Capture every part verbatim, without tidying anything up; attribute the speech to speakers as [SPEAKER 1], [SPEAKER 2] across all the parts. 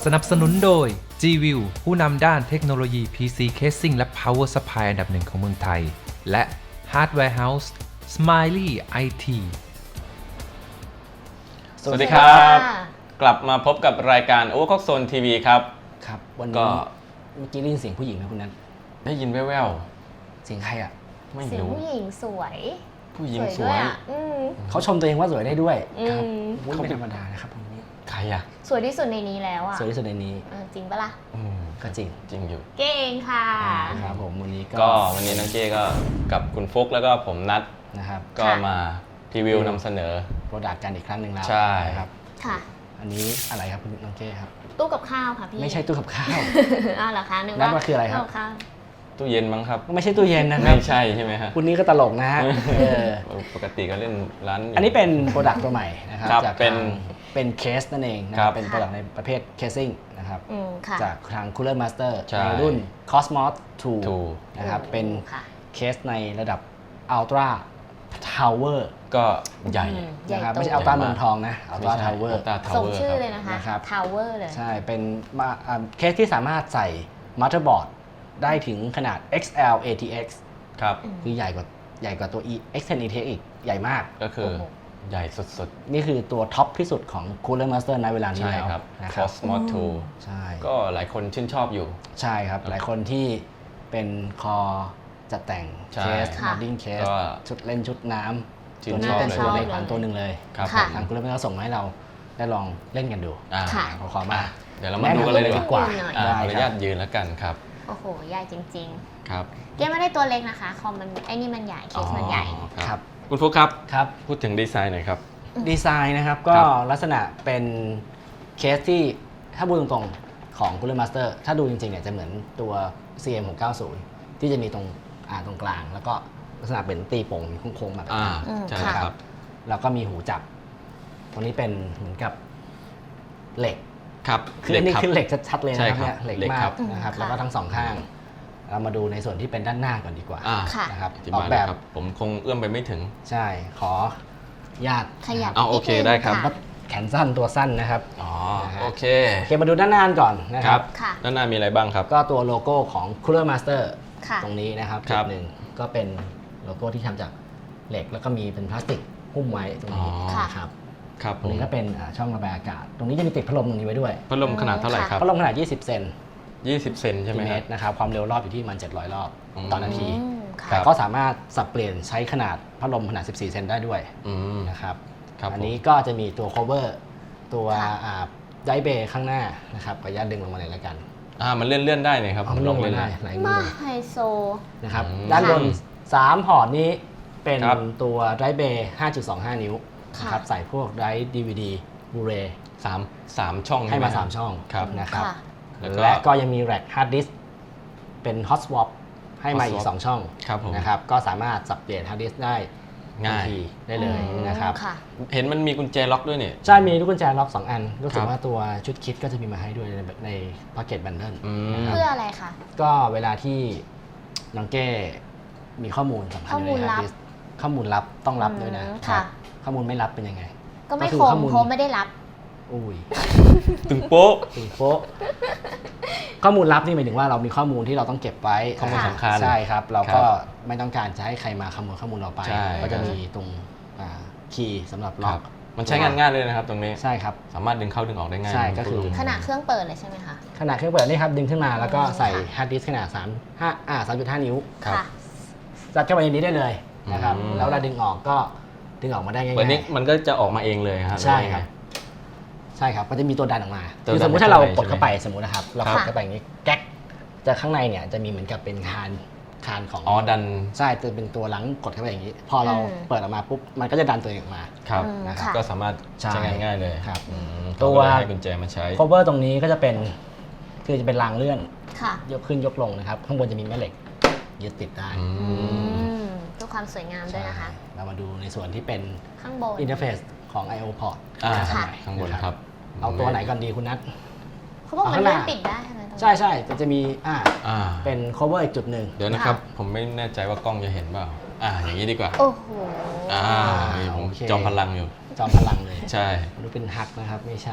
[SPEAKER 1] สนับสนุนโดย G-View ผู้นำด้านเทคโนโลยี พี ซี Casing และ Power Supply อันดับหนึ่งของเมืองไทย และ Hardware House Smiley ไอ ที
[SPEAKER 2] สวัสดีครับกลับมาพบกับรายการ Overclock Zone ที วี ครับ
[SPEAKER 3] ครับวัน
[SPEAKER 2] ก็
[SPEAKER 3] นี้เมื่อกี้ได้ยินเสียงผู้หญิงไหมคุณนัท
[SPEAKER 2] ได้ยินแว่ว
[SPEAKER 3] เสียงใครอ่ะ
[SPEAKER 2] ๆไม่
[SPEAKER 4] เสียง
[SPEAKER 2] รู้
[SPEAKER 4] ผู้หญิงสวย
[SPEAKER 2] ผู้หญิงส
[SPEAKER 4] ด้
[SPEAKER 2] ว
[SPEAKER 4] วย
[SPEAKER 2] ย
[SPEAKER 4] อ่ะอืม
[SPEAKER 3] เขาชมตัวเองว่าสวยได้ด้วย
[SPEAKER 4] อืม
[SPEAKER 3] ครับเขาไม่ธรรมดานะครับคนนี้
[SPEAKER 2] ใครอ่ะ
[SPEAKER 4] สวยที่สุดในนี้แล้วอ่ะ
[SPEAKER 3] สวยที่สุดในนี้
[SPEAKER 4] เออจริงปะล่ะ
[SPEAKER 2] อืม
[SPEAKER 3] ก็จริง
[SPEAKER 2] จริงอยู่
[SPEAKER 4] เก่งค่ะ
[SPEAKER 3] นะครับผมวันนี้ก็
[SPEAKER 2] ก็วันนี้น้องเก้ก็กับคุณฟุกแล้วก็ผมนัด
[SPEAKER 3] นะครับ
[SPEAKER 2] ก็มารีวิวนำเสนอ
[SPEAKER 3] โปรดักต์กันอีกครั้งหนึ่งแล้ว
[SPEAKER 2] ใช่
[SPEAKER 3] นะครับ
[SPEAKER 4] ค่ะ
[SPEAKER 3] อันนี้อะไรครับคุณน้องเก้ครับ
[SPEAKER 4] ตู้กับข้าวค่ะพี่
[SPEAKER 3] ไม่ใช่ตู้กับข้าว
[SPEAKER 4] อ้าวเหรอคะนึก
[SPEAKER 3] นั่
[SPEAKER 4] ว่าน
[SPEAKER 3] มันคืออะไรครับ
[SPEAKER 4] ตู้กับข้าว
[SPEAKER 2] ตู้เย็นมั้งครับ
[SPEAKER 3] ไม่ใช่ตู้เย็นนะครั
[SPEAKER 2] ไม่
[SPEAKER 3] บ
[SPEAKER 2] ใช่ใช่ไหมฮะ
[SPEAKER 3] คุณนี้ก็ตลกนะฮะเออ
[SPEAKER 2] ปกติก็เล่นร้าน
[SPEAKER 3] อันนี้เป็นโปรดักต์ตัวใหม่นะครับ
[SPEAKER 2] ครับ
[SPEAKER 3] จาก
[SPEAKER 2] เป็น
[SPEAKER 3] ทางเป็นเคสนั่นเองนะค
[SPEAKER 2] ครั
[SPEAKER 3] รับบ เป็นโปรดักต์ในประเภทเคสซิ่งนะครับ
[SPEAKER 4] อืมค่ะ
[SPEAKER 3] จากทาง Cooler Master
[SPEAKER 2] ใช่
[SPEAKER 3] ในรุ่น Cosmos ทู
[SPEAKER 2] ทู
[SPEAKER 3] นะครับเป็น
[SPEAKER 4] ค่ะ
[SPEAKER 3] เคสในระดับ Ultra Tower
[SPEAKER 2] ก็ใหญ่
[SPEAKER 4] อืม ใหญ่
[SPEAKER 3] นะครับ
[SPEAKER 4] โต
[SPEAKER 3] ไม่ใช่ Ultra เมืองทองนะ
[SPEAKER 2] ไม่
[SPEAKER 3] Ultra
[SPEAKER 2] ใช่
[SPEAKER 3] Tower
[SPEAKER 2] Ultra
[SPEAKER 4] ส่ง
[SPEAKER 2] Tower
[SPEAKER 4] ชื่อ
[SPEAKER 2] ครับ
[SPEAKER 4] เลยนะคะ
[SPEAKER 3] นะครับ
[SPEAKER 4] Tower เลย
[SPEAKER 3] ใช่เป็นมาอ่าเคสที่สามารถใส่ Motherboard ได้ถึงขนาด เอ็กซ์ แอล เอ ที เอ็กซ์
[SPEAKER 2] ครับ
[SPEAKER 3] คือใหญ่กว่าใหญ่กว่าตัว E เอ็กซ์ เท็น อี ที เอ็กซ์ อีกใหญ่มาก
[SPEAKER 2] ก็คือ
[SPEAKER 4] โอ้โห
[SPEAKER 2] ใหญ่สุด
[SPEAKER 3] นี่คือตัวท็อปที่สุดของ Cooler Master ในเวลา
[SPEAKER 2] ๆ
[SPEAKER 3] นี้
[SPEAKER 2] ใช่
[SPEAKER 3] แล้ว
[SPEAKER 2] ครับ
[SPEAKER 3] นะครับ
[SPEAKER 2] Cosmos ทู
[SPEAKER 3] ใช่
[SPEAKER 2] ก็หลายคนชื่นชอบอยู่
[SPEAKER 3] ใช่ครับ หลายคนที่เป็นคอจัดแต่ง
[SPEAKER 2] ใช่
[SPEAKER 3] เคส
[SPEAKER 4] ค่ะ
[SPEAKER 3] มอดดิ้งเคส
[SPEAKER 2] ก็
[SPEAKER 3] ชุดเล่นชุดน้ำ
[SPEAKER 2] ชื่น
[SPEAKER 3] ตัวนี้
[SPEAKER 2] ชอบ
[SPEAKER 3] เป็น
[SPEAKER 2] เลย
[SPEAKER 3] ตัวใน
[SPEAKER 4] ชอบ
[SPEAKER 3] ฝัน
[SPEAKER 4] เลย
[SPEAKER 3] ตัวหนึ่งเลย
[SPEAKER 2] ครับ
[SPEAKER 4] ค่ะ
[SPEAKER 3] ทางคุณเล่นเขาส่งมาให้เราได้ลองเล่นกันดู
[SPEAKER 2] อ่า
[SPEAKER 4] ค่ะ
[SPEAKER 3] ขอความมา
[SPEAKER 2] เดี๋ยวเรามาดูกันเลยดีกว่า
[SPEAKER 3] แนะนำตัวเลยดีกว่า
[SPEAKER 2] อ่า
[SPEAKER 3] ได้
[SPEAKER 2] ขออนุ
[SPEAKER 3] ค
[SPEAKER 2] ญา
[SPEAKER 3] รับ
[SPEAKER 2] ตยืนแล้วกันครับ
[SPEAKER 4] โอ้โห ใหญ่จริง
[SPEAKER 2] ครับ
[SPEAKER 4] ๆ เก้ไม่ได้ตัวเล็กนะคะคอมมันไอ้นี่มันใหญ่ เคสมันใหญ่
[SPEAKER 2] อ๋อ
[SPEAKER 3] ค
[SPEAKER 2] ค
[SPEAKER 3] รั
[SPEAKER 2] รับ บ คุณฟุกครับ
[SPEAKER 3] ครับ
[SPEAKER 2] พูดถึงดีไซน์หน่อยครับ
[SPEAKER 3] ดีไซน์นะครับก็
[SPEAKER 2] ครับ
[SPEAKER 3] ลักษณะเป็นเคสที่ถ้าพูดตรงๆของ Cooler Master ถ้าดูจริงๆเนี่ยจะเหมือนตัว ซี เอ็ม หกเก้าศูนย์ ที่จะมีตรงอ่าตรงกลาง แล้วก็ลักษณะเป็นตีโป่งมีโค้งๆแบบ
[SPEAKER 2] อ่า
[SPEAKER 4] อืม
[SPEAKER 2] ใช่
[SPEAKER 4] ค่ะ
[SPEAKER 2] ครับ
[SPEAKER 3] แล้วก็มีหูจับ ตรงนี้เป็นเหมือนกับเหล็ก
[SPEAKER 2] ครับ
[SPEAKER 3] คืออันนี้
[SPEAKER 2] รับ
[SPEAKER 3] คือเหล็กชัดๆเลย
[SPEAKER 2] ใช่
[SPEAKER 3] นะครับ
[SPEAKER 2] ครับ
[SPEAKER 3] เนี่ยเหล็ก
[SPEAKER 2] เหล็ก
[SPEAKER 3] มา
[SPEAKER 2] ครั
[SPEAKER 3] ก
[SPEAKER 2] บ
[SPEAKER 3] นะครับ
[SPEAKER 4] อืม
[SPEAKER 3] แล้วก็
[SPEAKER 4] ค่ะ
[SPEAKER 3] ทั้งสองข้าง เรามาดูในส่วนที่เป็นด้านหน้าก่อนดีกว่า
[SPEAKER 2] อ่า
[SPEAKER 4] ค่ะ
[SPEAKER 3] นะครับ
[SPEAKER 2] อธิ
[SPEAKER 3] ออบ
[SPEAKER 2] าก ย
[SPEAKER 3] แบ
[SPEAKER 2] เลย
[SPEAKER 3] บ
[SPEAKER 2] ครับ ผมคงเอื้อมไปไม่ถึง
[SPEAKER 3] ใช่ ขอญาต
[SPEAKER 4] ขยับ
[SPEAKER 2] เอาโอเค
[SPEAKER 4] นินึง
[SPEAKER 2] ได้ครับ
[SPEAKER 3] ก็
[SPEAKER 4] ะ
[SPEAKER 3] แขนสั้นตัวสั้นนะครับ
[SPEAKER 2] อ๋อ
[SPEAKER 3] นะฮะ
[SPEAKER 2] โอเค
[SPEAKER 3] โอเคมาดูด้านหน้ากันก่อนนะ
[SPEAKER 2] ค
[SPEAKER 3] ค
[SPEAKER 2] รั
[SPEAKER 3] รั
[SPEAKER 2] บบ
[SPEAKER 4] ค่ะ
[SPEAKER 2] ด้านหน้ามีอะไรบ้างครับ
[SPEAKER 3] ก็ตัวโลโก้ของ Cooler Master
[SPEAKER 4] ค่ะ
[SPEAKER 3] ตรงนี้นะครับ
[SPEAKER 2] ครั
[SPEAKER 3] จุ
[SPEAKER 2] บ
[SPEAKER 3] ดหนึ่งก็เป็นโลโก้ที่ทำจากเหล็กแล้วก็มีเป็นพลาสติกหุ้มไว้ตรงนี้
[SPEAKER 2] อ๋อ
[SPEAKER 4] ค่ะ
[SPEAKER 3] นะครับ
[SPEAKER 2] ครับ
[SPEAKER 3] ต
[SPEAKER 2] ผ
[SPEAKER 3] รง
[SPEAKER 2] ม
[SPEAKER 3] นี้ก็เป็นอ่าช่องระบายอากาศ ตรงนี้จะมีติดพัดลมตรงนี้ไว้ด้วย
[SPEAKER 2] พัดลมขนาดเท่าไหร่ครับ
[SPEAKER 3] พัดลมขนาด ยี่สิบ เซน
[SPEAKER 2] ยี่สิบ เซนใช่ไหม
[SPEAKER 3] เม
[SPEAKER 2] ครั
[SPEAKER 3] ต
[SPEAKER 2] บ
[SPEAKER 3] รนะครับ ความเร็วรอบอยู่ที่ประมันเจ็ดร้อยรอบ
[SPEAKER 2] อืม
[SPEAKER 3] ต่อนาที
[SPEAKER 4] อืมค่ะ
[SPEAKER 2] ครับ
[SPEAKER 3] ก็สามารถสับเปลี่ยนใช้ขนาดพัดลมขนาด สิบสี่ เซนได้ด้วย
[SPEAKER 2] อืม
[SPEAKER 3] นะครับ
[SPEAKER 2] ครับ
[SPEAKER 3] อัน
[SPEAKER 2] ผม
[SPEAKER 3] นี้ก็จะมีตัว cover ตัว
[SPEAKER 4] ค่ะ
[SPEAKER 3] อ่าไดเบย์ข้างหน้านะครับขออนุญาตดึงลงมาเลยแล้วกัน
[SPEAKER 2] อ่ามันเลื่อนเลื่อนๆได้เนี่ยครับ
[SPEAKER 3] เอามันลงมาได้หลายมื
[SPEAKER 4] มา
[SPEAKER 3] อ
[SPEAKER 4] ไฮโซ
[SPEAKER 3] นะครับ
[SPEAKER 2] อืม
[SPEAKER 3] ด้านบนสามพอร์ตนี้เป็น
[SPEAKER 2] ครับ
[SPEAKER 3] ตัวไดเบย์ ห้าจุดสองห้า นิ้ว
[SPEAKER 4] ค่ะ
[SPEAKER 3] นะครับใส่พวกได ดี วี ดี บูเร
[SPEAKER 2] สามสามช่อง
[SPEAKER 3] ให้มา
[SPEAKER 2] ช่ไ
[SPEAKER 3] สามช่อง
[SPEAKER 2] ครับ
[SPEAKER 3] นะครับ
[SPEAKER 4] ค่ะ
[SPEAKER 2] แล้วก็
[SPEAKER 3] และก็ยังมีแร็คฮาร์ดดิสเป็น hot swap ให้มา
[SPEAKER 2] hot
[SPEAKER 3] อีก
[SPEAKER 2] swap
[SPEAKER 3] สองช่อง
[SPEAKER 2] ครับผม
[SPEAKER 3] นะครับก็สามารถสับเปลี่ยนฮาร์ดดิสได้ทัน
[SPEAKER 2] ง่าย
[SPEAKER 3] ทีได้เลย
[SPEAKER 4] อืม
[SPEAKER 3] นะครับ
[SPEAKER 4] ค่ะ
[SPEAKER 2] เห็นมันมีกุญแจล็อกด้วยเนี่ย
[SPEAKER 3] ใช่มีลูกกุญแจล็อกสองอันรู้สึ
[SPEAKER 2] ค
[SPEAKER 3] ก
[SPEAKER 2] รับ
[SPEAKER 3] ว่าตัวชุดคิดก็จะมีมาให้ด้วยในในพ็อกเก็ตบันเดิล
[SPEAKER 2] อืม
[SPEAKER 4] เพื่ออะไรคะ
[SPEAKER 3] ก็เวลาที่น้องเก้มีข้อมูลสำคัญ
[SPEAKER 4] ข้อมูล
[SPEAKER 3] ยู่ใน
[SPEAKER 4] ลับ
[SPEAKER 3] hard disk ข้อมูลลับต้องรับด้วยนะ
[SPEAKER 4] อืม
[SPEAKER 3] ครั
[SPEAKER 4] ค่ะ
[SPEAKER 3] บข้อมูลไม่รับเป็นยังไง
[SPEAKER 4] ก็ไม่
[SPEAKER 3] ก็คือ
[SPEAKER 4] คม
[SPEAKER 3] ข้อมูล
[SPEAKER 4] เพราะไม่ได้รับ
[SPEAKER 3] อุ้ย
[SPEAKER 2] ตึงโป๊ะ
[SPEAKER 3] ถึงโป๊ะข้อมูลลับนี่หมายถึงว่าเรามีข้อมูลที่เราต้องเก็บไว้
[SPEAKER 2] ข้อมูล
[SPEAKER 4] ค่ะ
[SPEAKER 2] สำคัญ
[SPEAKER 3] ใช่ครับ เราก็
[SPEAKER 2] ครับ
[SPEAKER 3] ไม่ต้องการจะให้ใครมาขโมยข้อมูลเราไป
[SPEAKER 2] ใช่
[SPEAKER 3] ก็จะมีตรงคีย์สำหรับ
[SPEAKER 2] ค
[SPEAKER 3] ล็อ
[SPEAKER 2] รั
[SPEAKER 3] ก
[SPEAKER 2] บมันใช้งานง่ายเลยนะครับ ตรงนี้
[SPEAKER 3] ใช่ครับ
[SPEAKER 2] สามารถดึงเข้าดึงออกได้ง่าย
[SPEAKER 3] ใช่ก็คือ
[SPEAKER 4] ขนาดเครื่องเปิดเลยใช่ไหมคะ
[SPEAKER 3] ขนาดเครื่องเปิดนี่ครับดึงขึ้นมาแล้วก็ใส่
[SPEAKER 4] ค่ะ
[SPEAKER 3] ฮาร์ดดิสก์ขนาด3 5อ่า3.5 นิ้ว
[SPEAKER 2] ครับ
[SPEAKER 4] ค่ะ
[SPEAKER 3] จัดเข้าไปในนี้ได้เลยนะครับ
[SPEAKER 2] อืม
[SPEAKER 3] แล้วเวลาดึงออกก็ดึงออกมาได้ง่าย
[SPEAKER 2] เปิดนี้
[SPEAKER 3] ๆ
[SPEAKER 2] มันก็จะออกมาเองเลยครับ
[SPEAKER 3] ใช่ครับ ใช่ครับก็จะมีตัวดันออกมา
[SPEAKER 2] ตัว
[SPEAKER 3] คือ
[SPEAKER 2] ดัน
[SPEAKER 3] สมมุติถ้าเรา
[SPEAKER 2] เข้าไป
[SPEAKER 3] กดเข้าไปสมมุตินะครับ เรากด
[SPEAKER 4] ค่ะ
[SPEAKER 3] เข้าไปอย่างนี้แก๊กจะข้างในเนี่ยจะมีเหมือนกับเป็นคานคานของ
[SPEAKER 2] อ๋อดัน
[SPEAKER 3] ใช่จะเป็นตัวหลังกดเข้าไปอย่างนี้ พอเรา
[SPEAKER 4] อืม
[SPEAKER 3] เปิดออกมาปุ๊บมันก็จะดันตัวเองออกมา
[SPEAKER 2] ครับ
[SPEAKER 4] อืม
[SPEAKER 3] นะครับ
[SPEAKER 4] ค่ะ
[SPEAKER 2] ก็สามารถ
[SPEAKER 3] ใช่
[SPEAKER 2] ใช้งานง่ายเลย
[SPEAKER 3] ครับ
[SPEAKER 2] อืม
[SPEAKER 3] ตัว
[SPEAKER 2] เขาก็เลยให้กุญแจมาใช้
[SPEAKER 3] cover ตรงนี้ก็จะเป็นคือจะเป็นรางเลื่อน
[SPEAKER 4] ค่ะ
[SPEAKER 3] ยกขึ้นยกลงนะครับ ข้างบนจะมีแม่เหล็กยึดติดได้
[SPEAKER 2] อื
[SPEAKER 4] อื
[SPEAKER 2] ม
[SPEAKER 4] มเพื่อความสวยงามด้วยนะคะ
[SPEAKER 3] ใช่เรามาดูในส่วนที่เป็น
[SPEAKER 4] ข้างบน
[SPEAKER 3] อินเทอร์เฟซของ ไอ โอ port
[SPEAKER 2] อ่า
[SPEAKER 4] ค่ะ
[SPEAKER 2] ข้างบนครับ
[SPEAKER 3] เอาตัวไหนก่อนดีคุณนัท
[SPEAKER 4] เขาบอกมัน
[SPEAKER 3] เอาข้างห
[SPEAKER 4] เลื่
[SPEAKER 3] น้า
[SPEAKER 4] อนปิดได้ใช่ไหมตรงนี้
[SPEAKER 3] ใช่ใช่จะจะมีอ่า
[SPEAKER 2] อ่า
[SPEAKER 3] เป็น cover อีกจุดหนึ่ง
[SPEAKER 2] เดี๋ยวนะครับ ผมไม่แน่ใจว่ากล้องจะเห็นเปล่าอ่าอย่างนี้ดีกว่า
[SPEAKER 4] โอ้โห
[SPEAKER 2] อ่าผม
[SPEAKER 3] โอเค
[SPEAKER 2] จอมพลังอยู่
[SPEAKER 3] จอมพลังเลย
[SPEAKER 2] ใช่
[SPEAKER 3] มันดูเป็นฮักนะครับไม่ใช่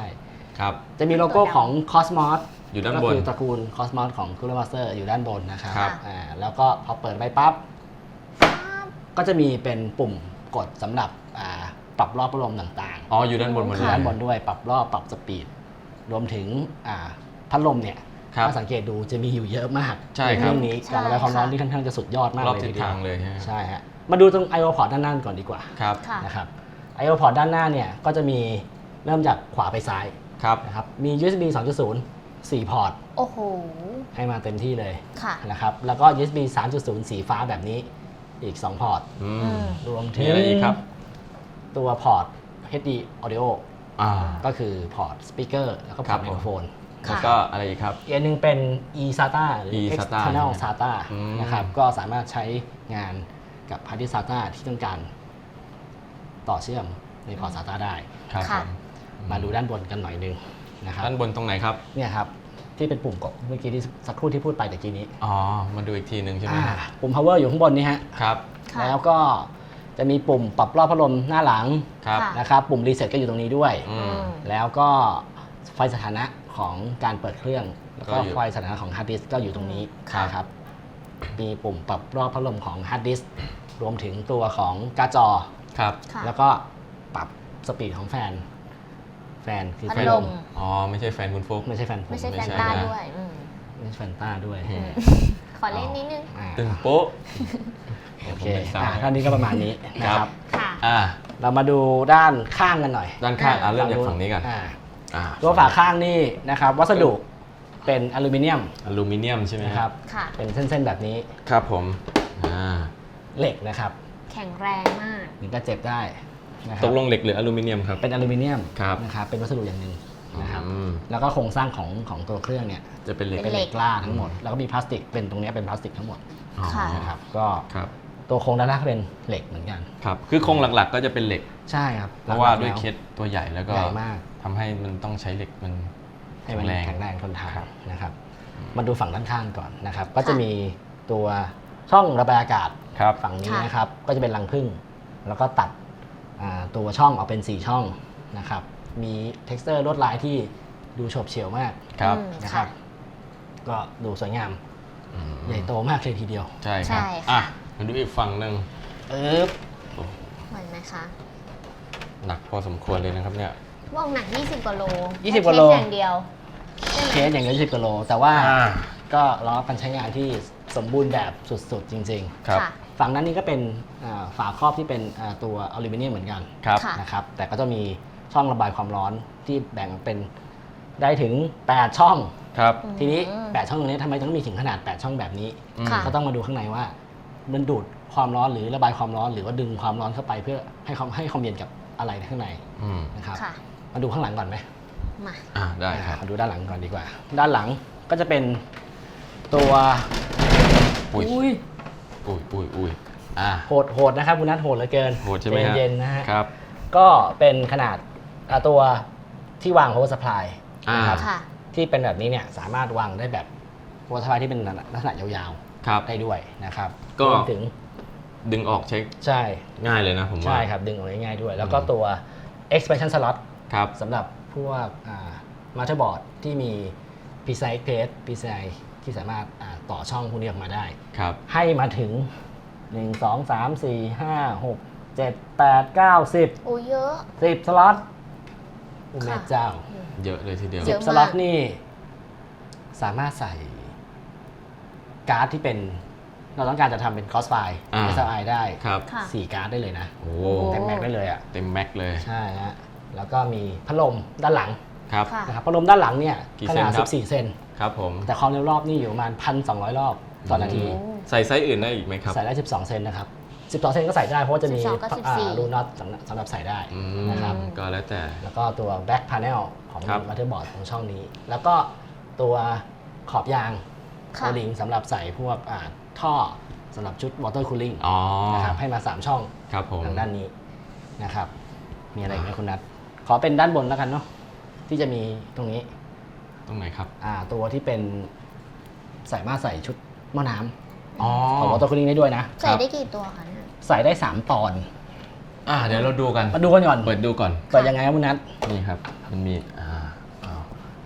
[SPEAKER 2] ครับ
[SPEAKER 3] จะมีโลโก้ของ Cosmos
[SPEAKER 2] อยู่ด้านบน
[SPEAKER 3] ก็คือตระกูล Cosmos ของ Cooler Master อยู่ด้านบนนะครับ
[SPEAKER 2] ครับ
[SPEAKER 3] อ่าแล้วก็พอเปิดไปปั๊บ ก็จะมีเป็นปุ่มกดสำหรับอ่าปรับรอบพัดลมต่าง
[SPEAKER 2] อ๋ออยู่ด้านบนหมด
[SPEAKER 3] ๆ
[SPEAKER 2] เล
[SPEAKER 3] อยู่
[SPEAKER 2] ย
[SPEAKER 3] ด้านบนด้วยปรับรอบปรับสปีดรวมถึงอ่าพัดลมเนี่ย
[SPEAKER 2] ครับ
[SPEAKER 3] ถ้าสังเกตดูจะมีอยู่เยอะมาก
[SPEAKER 2] ใช่ครับ
[SPEAKER 3] เรื่องนี้
[SPEAKER 4] ใช่
[SPEAKER 3] การระบายความร้อน
[SPEAKER 4] ค่ะ
[SPEAKER 3] ที่ค่อนข้างจะสุดยอดมาก
[SPEAKER 2] รอบ
[SPEAKER 3] เลย
[SPEAKER 2] ทิศ
[SPEAKER 3] ทีเดีย
[SPEAKER 2] ทาว งเลยใช่ไหม
[SPEAKER 3] ใช่ฮะมาดูตรง ไอ โอ พอร์ต ด้านหน้าก่อนดีกว่า
[SPEAKER 2] ครับ
[SPEAKER 4] ค่ะ
[SPEAKER 3] นะครับ ไอ โอ พอร์ต ด้านหน้าเนี่ยก็จะมีเริ่มจากขวาไปซ้าย
[SPEAKER 2] ครับ
[SPEAKER 3] นะครับมี ยู เอส บี สองจุดศูนย์ สี่พอร์ต
[SPEAKER 4] โอ้โห
[SPEAKER 3] ให้มาเต็มที่เลย
[SPEAKER 4] ค่ะ
[SPEAKER 3] นะครับแล้วก็ ยู เอส บี สามจุดศูนย์ สีฟ้าแบบนี้อีกสองพอร์ต
[SPEAKER 2] อื
[SPEAKER 4] อื
[SPEAKER 2] ม
[SPEAKER 4] ม
[SPEAKER 3] รวมถึ
[SPEAKER 2] มี
[SPEAKER 3] ง
[SPEAKER 2] อะไรอีกครับ
[SPEAKER 3] ตัวพอร์ต เอช ดี Audio
[SPEAKER 2] อ่า
[SPEAKER 3] ก็คือพอร์ตสปีกเกอร์แล้วก็พ
[SPEAKER 2] ครั
[SPEAKER 3] อร์
[SPEAKER 2] บ
[SPEAKER 3] ตไมโครโฟน
[SPEAKER 2] แล้วก็อะไรอีกครับ
[SPEAKER 3] อีกอันหนึงเป็น e SATA หรือ
[SPEAKER 2] e-SATA
[SPEAKER 3] external
[SPEAKER 2] ใช่ไหม
[SPEAKER 3] SATA
[SPEAKER 2] อืม
[SPEAKER 3] นะครับก็สามารถใช้งานกับ hard disk SATA ที่ต้องการต่อเชื่อมในพอร์ต SATA ได้
[SPEAKER 2] ครับ
[SPEAKER 4] ค่ะ
[SPEAKER 2] ผม
[SPEAKER 3] มาดูด้านบนกันหน่อยนึงนะครับ
[SPEAKER 2] ด้านบนตรงไหนครับ
[SPEAKER 3] เนี่ยครับที่เป็นปุ่มกดเมื่อกี้ที่สักครู่ที่พูดไปตะกี้นี้
[SPEAKER 2] อ๋อ มาดูอีกทีหนึ่งใช่ไหม
[SPEAKER 3] อ่า
[SPEAKER 2] ครับ
[SPEAKER 3] ปุ่ม power อยู่ข้างบนนี้ฮะ
[SPEAKER 2] ครับ
[SPEAKER 4] ค่ะ
[SPEAKER 3] แล้วก็จะมีปุ่มปรับรอบพัดลมหน้าหลัง
[SPEAKER 2] ครับ
[SPEAKER 4] ค่ะ
[SPEAKER 3] นะครับปุ่มรีเซ็ตก็อยู่ตรงนี้ด้วย
[SPEAKER 2] อื
[SPEAKER 4] อื
[SPEAKER 2] ม
[SPEAKER 4] ม
[SPEAKER 3] แล้วก็ไฟสถานะของการเปิดเครื่อง แล้วก็
[SPEAKER 2] ก็อยู่
[SPEAKER 3] ไฟสถานะของฮาร์ดดิสก์ก็อยู่ตรงนี้
[SPEAKER 2] ค่ะ
[SPEAKER 3] นะครับมีปุ่มปรับรอบพัดลมของฮาร์ดดิสก์รวมถึงตัวของการ์ดจอ
[SPEAKER 2] ครับ
[SPEAKER 4] ค่ะ
[SPEAKER 3] แล้วก็ปรับสปีดของแฟน แฟนคือ
[SPEAKER 4] พัด
[SPEAKER 3] แฟน
[SPEAKER 4] ลม
[SPEAKER 2] อ๋อ ไม่ใช่แฟนคุณฟุก
[SPEAKER 3] ไม่ใช่แฟนผม
[SPEAKER 4] ไม่ใช่
[SPEAKER 2] ไม่
[SPEAKER 4] แฟน
[SPEAKER 2] ใช่
[SPEAKER 4] ต้า
[SPEAKER 2] นะ
[SPEAKER 4] ด้วยอืม
[SPEAKER 3] ไม่ใช่แฟนต้าด้วย
[SPEAKER 2] อืม
[SPEAKER 4] ขอเล่นนิดนึง
[SPEAKER 3] อ่า
[SPEAKER 2] ตึงโป๊ะ
[SPEAKER 3] โอเค
[SPEAKER 2] ผมเป็นสาว
[SPEAKER 3] อ่าท่านนี้ก็ประมาณนี้นะค
[SPEAKER 2] ครั
[SPEAKER 3] รับ
[SPEAKER 2] บ
[SPEAKER 4] ค่ะ
[SPEAKER 2] อ่า
[SPEAKER 3] เรามาดูด้านข้างกันหน่อย
[SPEAKER 2] ด้านข้างอ่ะเริ่มจากฝั่งนี้ก่อน
[SPEAKER 3] อ่า
[SPEAKER 2] อ่า
[SPEAKER 3] ตัวฝาข้างนี่นะครับวัสดุเป็นอลูมิเนียม
[SPEAKER 2] อลูมิเนียมใช่ไหม
[SPEAKER 3] นะ
[SPEAKER 2] ค
[SPEAKER 3] ค
[SPEAKER 2] รั
[SPEAKER 3] รับ บ
[SPEAKER 4] ค่ะ
[SPEAKER 3] เป็นเส้นๆแบบนี้
[SPEAKER 2] ครับผม อ่า
[SPEAKER 3] เหล็กนะครับ
[SPEAKER 4] แข็งแรงมาก
[SPEAKER 3] ถึงก็เจ็บได้นะค
[SPEAKER 2] ต
[SPEAKER 3] รับ
[SPEAKER 2] กลงเหล็กหรืออลูมิเนียมครับ
[SPEAKER 3] เป็นอลูมิเนียม
[SPEAKER 2] ครับ
[SPEAKER 3] นะครับเป็นวัสดุอย่างหนึ่งนะครับ
[SPEAKER 2] อืม
[SPEAKER 3] แล้วก็โครงสร้างของของตัวเครื่องเนี่ย
[SPEAKER 2] จะเป็นเหล็ก
[SPEAKER 3] เป็นเหล็กกล้าทั้งหมด แล้วก็มีพลาสติกเป็นตรงเนี้ยเป็นพลาสติกทั้งหมด
[SPEAKER 2] อ๋อ
[SPEAKER 4] ค่ะ
[SPEAKER 3] นะครับก็
[SPEAKER 2] ครับ
[SPEAKER 3] ตัวโครงด้านล่างก็เป็นเหล็กเหมือนกัน
[SPEAKER 2] ครับ คือโครงหลักๆ ก็จะเป็นเหล็ก
[SPEAKER 3] ใช่ครับ
[SPEAKER 2] เพราะว่า
[SPEAKER 3] หลักๆ
[SPEAKER 2] ด้วย
[SPEAKER 3] แล้
[SPEAKER 2] เคสตัวใหญ่แล้วก็
[SPEAKER 3] ใหญ่มาก
[SPEAKER 2] ทำให้มันต้องใช้เหล็กมัน
[SPEAKER 3] ให้มัน
[SPEAKER 2] แข็งแรง
[SPEAKER 3] แข็งแรงทนทาน
[SPEAKER 2] ครับ
[SPEAKER 3] นะครับมาดูฝั่งด้านข้างก่อนนะครับ ก็จะมีตัวช่องระบายอากาศ
[SPEAKER 2] ครับ
[SPEAKER 3] ฝั่งนี้
[SPEAKER 4] ค่ะ
[SPEAKER 3] นะครับ ก็จะเป็นรังผึ้งแล้วก็ตัดอ่าตัวช่องออกเป็นสี่ช่องนะครับ มี texture ลวดลายที่ดูโฉบเฉี่ยวมาก
[SPEAKER 2] ครับ
[SPEAKER 4] อืม
[SPEAKER 3] นะครับ ก็ดูสวยงาม
[SPEAKER 2] อืม
[SPEAKER 3] ใหญ่โตมากเลยทีเดียว
[SPEAKER 2] ใช่ครับ
[SPEAKER 4] ใช่ค่ะ
[SPEAKER 2] อ่ะ มาดูอีกฝั่งหนึ่ง
[SPEAKER 3] เอ๊บ
[SPEAKER 4] เหมือนไหมคะ
[SPEAKER 2] หนักพอสมควรเลยนะครับเนี่ย
[SPEAKER 4] ว่องหนัก ยี่สิบกว่าโล
[SPEAKER 3] ยี่สิบกว่าโล
[SPEAKER 4] แค่เคสอย่างเดียวใช่ไหม
[SPEAKER 3] เคสอย่างเงี้ยสิบกิโลแต่ว่า
[SPEAKER 2] อ่า
[SPEAKER 3] ก็รองรับการใช้งานที่สมบูรณ์แบบสุดๆ จริง
[SPEAKER 2] ครับ
[SPEAKER 4] ค่ะ
[SPEAKER 3] ๆ ฝั่งนั้นนี่ก็เป็นอ่าฝาครอบที่เป็นอ่าตัวอลูมิเนียมเหมือนกัน
[SPEAKER 2] ครับ
[SPEAKER 4] ค่ะ
[SPEAKER 3] นะครับแต่ก็จะมีช่องระบายความร้อนที่แบ่งเป็นได้ถึง แปด ช่อง
[SPEAKER 2] ครับ
[SPEAKER 3] ทีนี้
[SPEAKER 4] อืม
[SPEAKER 3] แปด ช่องตรงนี้ทำไมต้องมีถึงขนาด แปด ช่องแบบนี้
[SPEAKER 2] อืม
[SPEAKER 4] ค่ะ
[SPEAKER 3] ก็ต้องมาดูข้างในว่ามันดูดความร้อนหรือระบายความร้อน หรือว่าดึงความร้อนเข้าไปเพื่อให้ความให้ความเย็นกับอะไรข้างใน
[SPEAKER 2] อืม
[SPEAKER 3] นะครับ
[SPEAKER 4] ค่ะ
[SPEAKER 3] มาดูข้างหลังก่อนไหม
[SPEAKER 4] มา
[SPEAKER 2] อ่าได้ครับ
[SPEAKER 3] มาดูด้านหลังก่อนดีกว่า ด้านหลังก็จะเป็นตัว
[SPEAKER 2] อุ้ย
[SPEAKER 3] อุ้ย
[SPEAKER 2] อุ้ยอุ้ยอุ้ยอ่า
[SPEAKER 3] โหดโหดนะครับคุณนัทโหดเหลือเกิน
[SPEAKER 2] โหดใช่ไหมฮะ
[SPEAKER 3] เย็นๆนะฮะ
[SPEAKER 2] ครับ
[SPEAKER 3] ก็เป็นขนาดอ่าตัวที่วาง power supply
[SPEAKER 2] อ่า
[SPEAKER 3] นะครับ
[SPEAKER 4] ค่ะ
[SPEAKER 3] ที่เป็นแบบนี้เนี่ยสามารถวางได้แบบ power supply ที่เป็นลักษณะยาว
[SPEAKER 2] ครับ
[SPEAKER 3] ๆได้ด้วยนะครับ
[SPEAKER 2] ก็
[SPEAKER 3] รวมถึง
[SPEAKER 2] ดึงออกเช็ค
[SPEAKER 3] ใช่
[SPEAKER 2] ง่ายเลยนะผมว่า
[SPEAKER 3] ใช่ครับดึงออกง่ายๆด้วย แล้วก็ตัว expansion slot
[SPEAKER 2] ครับ
[SPEAKER 3] สำหรับพวกอ่า motherboard ที่มี PCI Express PCI ที่สามารถอ่าต่อช่องพวกนี้ออกมาได้
[SPEAKER 2] ครับ
[SPEAKER 3] ให้มาถึง หนึ่ง สอง สาม สี่ ห้า หก เจ็ด แปด เก้า สิบ
[SPEAKER 4] โอ้เยอะ
[SPEAKER 3] สิบสล็อตอุเม
[SPEAKER 4] ค่ะ
[SPEAKER 3] เจ้า
[SPEAKER 2] เยอะเลยทีเดียว
[SPEAKER 4] เย
[SPEAKER 3] สิ
[SPEAKER 4] อะ
[SPEAKER 3] บสล็อตนี่สามารถใส่การ์ดที่เป็นเราต้องการจะทำเป็น crossfire
[SPEAKER 2] อ่า
[SPEAKER 3] เอส แอล ไอ ได้
[SPEAKER 2] ครับ
[SPEAKER 4] ค่ะ
[SPEAKER 3] สี่การ์ดได้เลยนะ
[SPEAKER 2] โอ้
[SPEAKER 3] เต็มแม็กได้เลยอ่ะ
[SPEAKER 2] เต็มแม็กเลย
[SPEAKER 3] ใช่ฮะแล้วก็มีพัดลมด้านหลัง
[SPEAKER 2] ครับ
[SPEAKER 4] ค่ะ
[SPEAKER 3] นะครับพัดลมด้านหลังเนี่ย
[SPEAKER 2] กี่
[SPEAKER 3] ข
[SPEAKER 2] เซน
[SPEAKER 3] นาด
[SPEAKER 2] ครับ
[SPEAKER 3] สิบสี่ เซน
[SPEAKER 2] ครับผม
[SPEAKER 3] แต่ความเร็วรอบนี่อยู่ประมาณ หนึ่งพันสองร้อย รอบต่อนาที
[SPEAKER 4] โอ้
[SPEAKER 2] ใส่ไซส์อื่นได้อีกไหมครับ
[SPEAKER 3] ใส่ได้ สิบสอง เซนนะครับ สิบสอง เซนก็ใส่ได้เพราะว่าจะมี
[SPEAKER 4] สิบสองกับสิบสี่
[SPEAKER 3] รูน็อตสำหรับสำหรับใส่ได้
[SPEAKER 2] อืม
[SPEAKER 3] นะครับ
[SPEAKER 2] ก็แล้วแต่
[SPEAKER 3] แล้วก็ตัว back panel ของ
[SPEAKER 2] ครับ
[SPEAKER 3] motherboard ของช่องนี้ แล้วก็ตัวขอบยาง
[SPEAKER 4] ค่ะ
[SPEAKER 3] โอลิงสำหรับใส่พวกอ่าท่อสำหรับชุด water cooling
[SPEAKER 2] อ๋อ
[SPEAKER 3] นะครับให้มา สาม ช่อง
[SPEAKER 2] ครับผม
[SPEAKER 3] ทางด้านนี้นะครับ มีอะไรอีกไหมคุณนัทขอเป็นด้านบนแล้วกันเนาะที่จะมีตรงนี้
[SPEAKER 2] ตรงไหนครับ
[SPEAKER 3] อ่าตัวที่เป็นสามารถใส่ชุดหม้อน้ำ
[SPEAKER 2] อ๋อ
[SPEAKER 3] ของ water cooling ได้ด้วยนะ
[SPEAKER 4] ใส่ได้กี่ตัวคะเนี่ย
[SPEAKER 3] ใส่ได้ สาม ตอน
[SPEAKER 2] อ่าเดี๋ยวเราดูกัน
[SPEAKER 3] มาดูกันก่อน
[SPEAKER 2] เปิดดูก่อน
[SPEAKER 3] เปิดยังไงครับคุณนัท
[SPEAKER 2] นี่ครับ มันมี อ่าอ่า